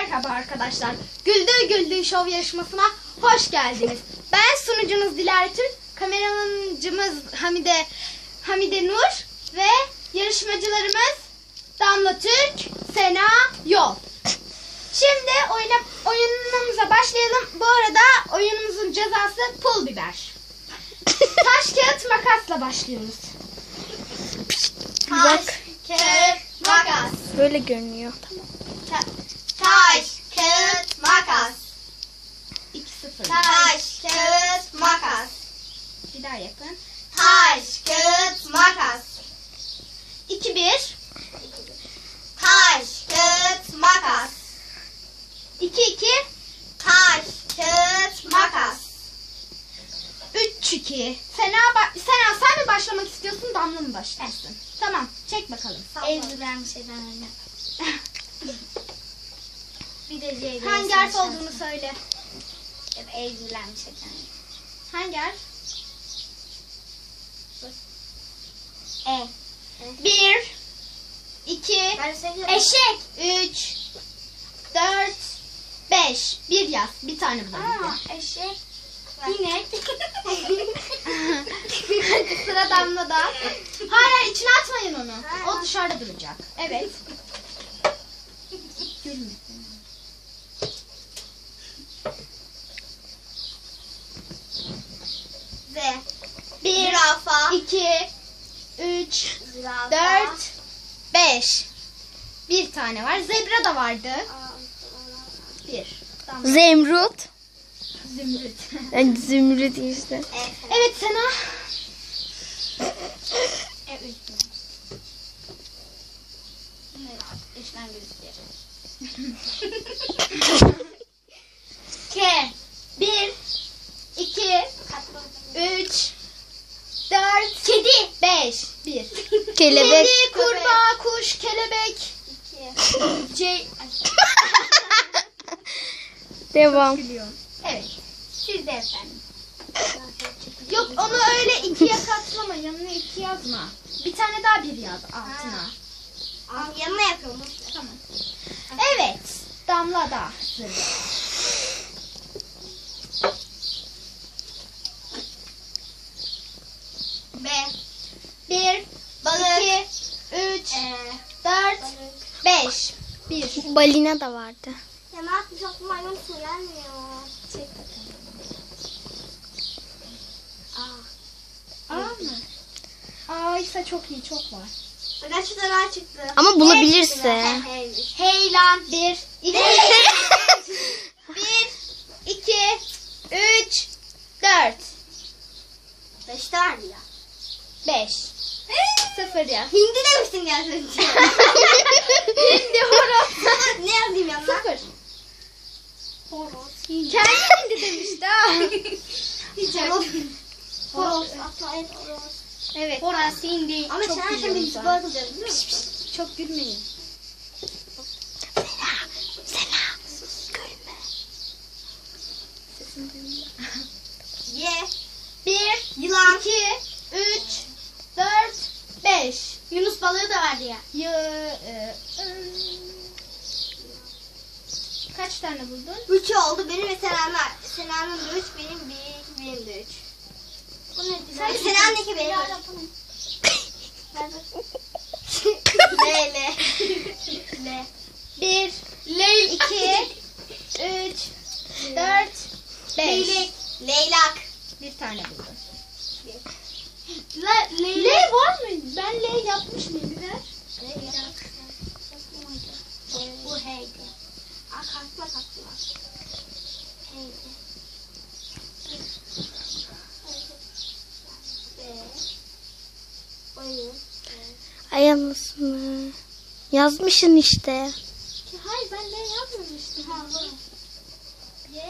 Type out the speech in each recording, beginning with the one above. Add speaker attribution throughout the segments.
Speaker 1: Merhaba arkadaşlar. Güldür Güldür Show yarışmasına hoş geldiniz. Ben sunucunuz Dilara Türk, kameramancımız Hamide Nur ve yarışmacılarımız Damla Türk, Sena Yol. Şimdi oyunumuza başlayalım. Bu arada oyunumuzun cezası pul biber. Taş, kağıt, makasla başlıyoruz.
Speaker 2: Taş,
Speaker 1: kağıt, makas.
Speaker 2: Böyle görünüyor.
Speaker 1: Taş, kağıt, makas. 2-0.
Speaker 2: Taş, kağıt, makas.
Speaker 1: Bir daha yapın.
Speaker 2: Taş, kağıt, makas.
Speaker 1: 2-1.
Speaker 2: Taş, kağıt, makas.
Speaker 1: 2-2.
Speaker 2: Taş, kağıt, makas.
Speaker 1: 3-2. Sena sen mi başlamak istiyorsun, Damla mı başlasın? Tamam, çek bakalım.
Speaker 2: Ezdiren bir şeyden öyle. Bir de C.
Speaker 1: Hangi harf olduğunu söyle.
Speaker 2: Ya da ezdiren bir şeyden.
Speaker 1: Hangi harf?
Speaker 2: E.
Speaker 1: 1 2
Speaker 2: Ben seviyorum.
Speaker 1: Eşek. 3 4 5. Bir yaz. Bir tane bulalım.
Speaker 2: Eşek.
Speaker 1: İnek. Sıra Damla'da. Hayır, içine atmayın onu. O dışarıda duracak. Evet. Gülme.
Speaker 2: Z.
Speaker 1: 1
Speaker 2: Zürafa.
Speaker 1: 2 3
Speaker 2: Zürafa.
Speaker 1: 4 5. Bir tane var. Zebra da vardı. 1. Tamam.
Speaker 2: Zemrut.
Speaker 1: Zümrüt.
Speaker 2: Zümrüt işte.
Speaker 1: Evet Sena. K. 1 2 3 4 Kedi. 5. 1.
Speaker 2: Kelebek.
Speaker 1: Kedi, kurbağa, kuş, kelebek. C.
Speaker 2: Devam.
Speaker 1: Evet. Siz de efendim. Yok, onu öyle ikiye katlama. Yanına 2 yazma. Bir tane daha bir yaz altına.
Speaker 2: Yanına yapıyorum.
Speaker 1: Tamam. Evet. Damla da sıra.
Speaker 2: B.
Speaker 1: 1
Speaker 2: Balık.
Speaker 1: 2 3 4 5. 1.
Speaker 2: Balina da vardı.
Speaker 3: Ya ne yapacağım? Maymun su gelmiyor.
Speaker 1: Çek bakalım. A mı? A ise çok iyi, çok var.
Speaker 3: Bak şu tarafa çıktı.
Speaker 2: Ama bulabilirse.
Speaker 1: Heylan. 1 2 1 2 3 4
Speaker 3: 5 tane ya.
Speaker 1: 5. 0 yaz.
Speaker 3: Hindi demiştin ya sen.
Speaker 1: Hindi, horoz.
Speaker 3: Ne yazayım yanına?
Speaker 1: 0.
Speaker 3: Horoz.
Speaker 1: Kendi hindi demişti ha.
Speaker 3: Horoz. Horoz. Atla et horoz.
Speaker 1: Evet. Horoz, hindi.
Speaker 3: Ama
Speaker 1: Çok
Speaker 3: sen
Speaker 1: biliyorum
Speaker 3: şimdi
Speaker 1: sen.
Speaker 3: biz bakacağız biliyor musun?
Speaker 1: Çok gülmeyin.
Speaker 2: Sena. Gülme.
Speaker 3: Ye.
Speaker 1: 1
Speaker 3: Yılan.
Speaker 1: 2 3 4 5.
Speaker 3: Yunus balığı da vardı ya.
Speaker 1: Kaç tane buldun?
Speaker 3: 3 oldu. Benim ve Sena'nın da 3, benim de 3. Bu ne? Sena'nın 2, benim de 3. L.
Speaker 1: 1 2 3 4 5.
Speaker 3: Leylak.
Speaker 1: Bir tane buldum. L
Speaker 3: Leylak.
Speaker 1: var mı? Ben L yapmış mıyım biber?
Speaker 3: Leylak. Bu heydi. Kalkma. Heydi. Oyun.
Speaker 2: Ay anasını. Yazmışsın işte.
Speaker 1: Hayır, ben L yazmamıştım.
Speaker 3: Ha bu.
Speaker 1: Y.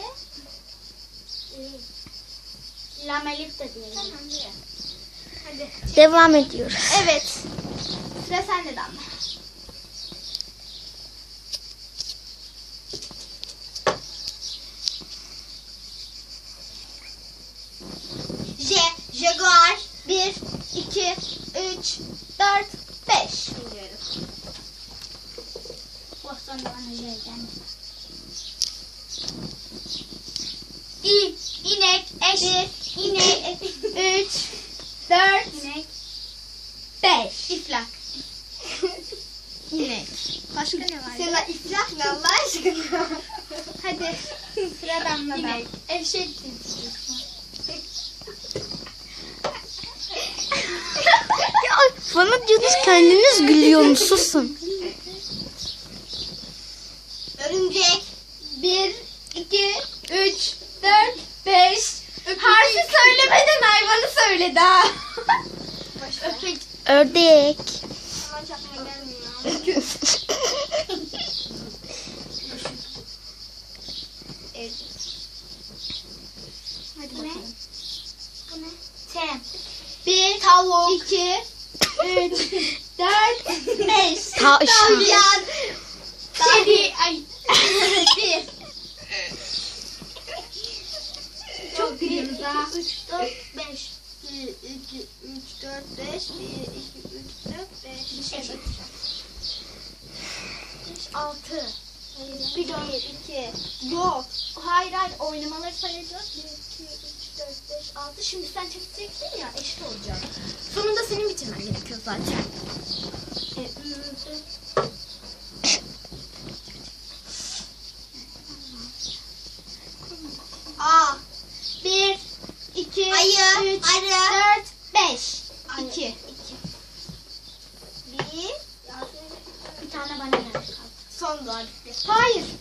Speaker 3: Lamelif de diyelim.
Speaker 1: Tamam, Y. Hadi.
Speaker 2: Devam ediyoruz.
Speaker 1: Evet. Sıra sende Damla.
Speaker 3: Jaguar.
Speaker 1: 1 2 3 4 5.
Speaker 3: Biliyorum.
Speaker 1: Bostan da bana J geldi. 2, inek, eşek, inek, 3, 4, inek, 5. İflak. İnek. Başka ne var?
Speaker 3: Sena iflah ne Allah aşkına?
Speaker 1: Hadi. Sıra damlada. İnek, eşek.
Speaker 2: Ya bana diyorsunuz kendiniz gülüyorsunuz. Susun.
Speaker 3: Örümcek.
Speaker 1: 1, 2, 3, 4, 5. Harfi söylemeden hayvanı söyledi ha. Öpek.
Speaker 2: Ördek.
Speaker 3: Ama çakma gelmiyor.
Speaker 1: Hadi
Speaker 3: Bu ne?
Speaker 1: bakalım.
Speaker 3: Bu ne?
Speaker 1: 1, tavuk. 2, 3, 4, 5.
Speaker 2: Tavşan.
Speaker 1: Kedi. Ay. 1. Çok gülüyoruz ha.
Speaker 3: 3, 4, 5. 1, 2, 3, 4, 5. 1, 2, 3, 4, 5.
Speaker 1: Bir şey bakacağım.
Speaker 3: 6.
Speaker 1: Bir dön.
Speaker 3: 2.
Speaker 1: Yok. Hayır oynamaları sayacağız. 1, 2, 3, 4, 5, 6. Şimdi sen çekeceksin ya eşit olacak. Sonunda senin bitirmen gerekiyor zaten.
Speaker 3: A.
Speaker 1: 1, 2,
Speaker 3: Ayı,
Speaker 1: 3,
Speaker 3: arı.
Speaker 1: 4, 5.
Speaker 3: Ayı.
Speaker 1: 2.
Speaker 3: 1.
Speaker 1: Bir tane bana geldi.
Speaker 3: Son duvar.
Speaker 1: Hayır.